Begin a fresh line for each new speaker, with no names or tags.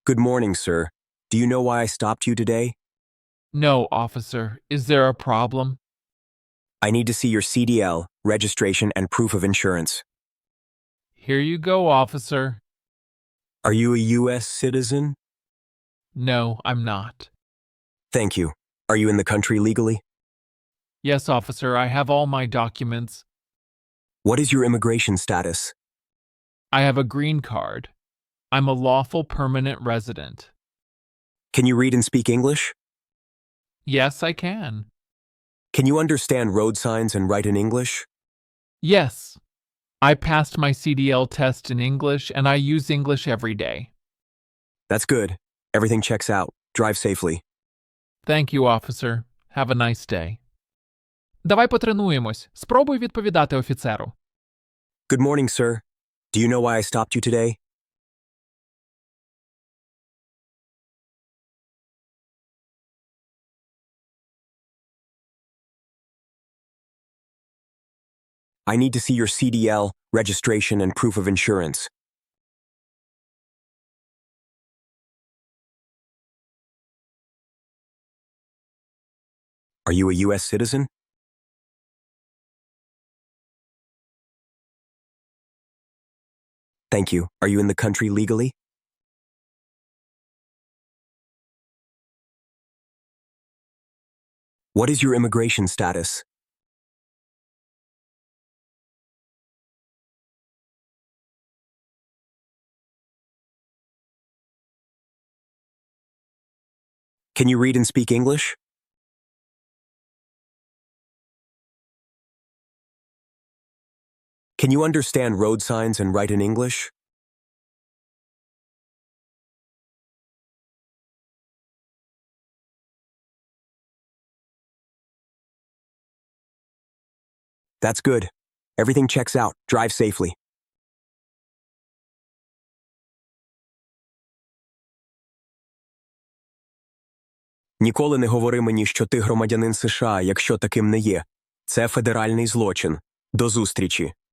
Good morning, sir. Do you know why I stopped you today?
No, officer. Is there a problem?
I need to see your CDL, registration, and proof of insurance.
Here you go, officer.
Are you a U.S. citizen?
No, I'm not.
Thank you. Are you in the country legally?
Yes, officer, I have all my documents.
What is your immigration status?
I have a green card. I'm a lawful permanent resident.
Can you read and speak English?
Yes, I can.
Can you understand road signs and write in English?
Yes. I passed my CDL test in English and I use English every day.
That's good. Everything checks out. Drive safely.
Thank you, officer. Have a nice day. Давай потренуємось. Спробуй відповідати офіцеру.
Good morning, sir. Do you know why I stopped you today? I need to see your CDL, registration, and proof of insurance. Are you a U.S. citizen? Thank you. Are you in the country legally? What is your immigration status? Can you read and speak English? Can you understand road signs and write in English? That's good. Everything checks out. Drive safely. Ніколи не говори мені, що ти громадянин США, якщо таким не є. Це федеральний злочин. До зустрічі.